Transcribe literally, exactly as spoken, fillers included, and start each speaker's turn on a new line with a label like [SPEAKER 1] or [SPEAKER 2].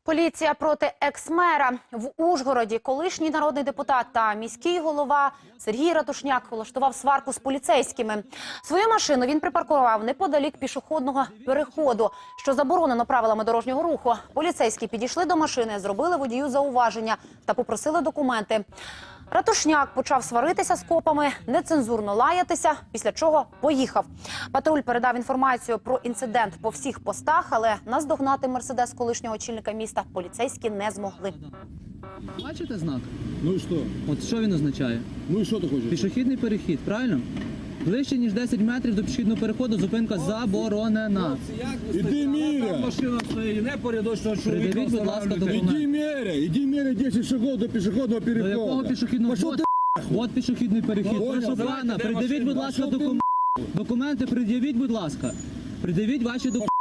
[SPEAKER 1] Поліція проти екс-мера. В Ужгороді колишній народний депутат та міський голова Сергій Ратушняк влаштував сварку з поліцейськими. Свою машину він припаркував неподалік пішохідного переходу, що заборонено правилами дорожнього руху. Поліцейські підійшли до машини, зробили водію зауваження та попросили документи. Ратушняк почав сваритися з копами, нецензурно лаятися, після чого поїхав. Патруль передав інформацію про інцидент по всіх постах, але наздогнати мерседес колишнього очільника міста поліцейські не змогли.
[SPEAKER 2] Бачите знак?
[SPEAKER 3] Ну і що?
[SPEAKER 2] От що він означає?
[SPEAKER 3] Ну і що ти хочеш?
[SPEAKER 2] Пішохідний перехід, правильно? Ближче, ніж десять метрів до пішохідного переходу зупинка заборонена.
[SPEAKER 3] Іди міря!
[SPEAKER 4] Машина стоїть, не порядочного чоловіка.
[SPEAKER 2] Придивіть, будь ласка, документ.
[SPEAKER 3] Іди міря! Іди міря десять шагов до пішохідного
[SPEAKER 2] До
[SPEAKER 3] переходу.
[SPEAKER 2] якого пішохідного?
[SPEAKER 3] Пошов
[SPEAKER 2] От,
[SPEAKER 3] ти
[SPEAKER 2] от пішохідний перехід.
[SPEAKER 3] Ой,
[SPEAKER 2] Прошу
[SPEAKER 3] давайте,
[SPEAKER 2] пана,
[SPEAKER 4] де
[SPEAKER 2] придивіть,
[SPEAKER 4] машина?
[SPEAKER 2] будь ласка,
[SPEAKER 3] Пошов ти
[SPEAKER 2] документи. Документи пред'явіть, будь ласка. Придивіть ваші документи.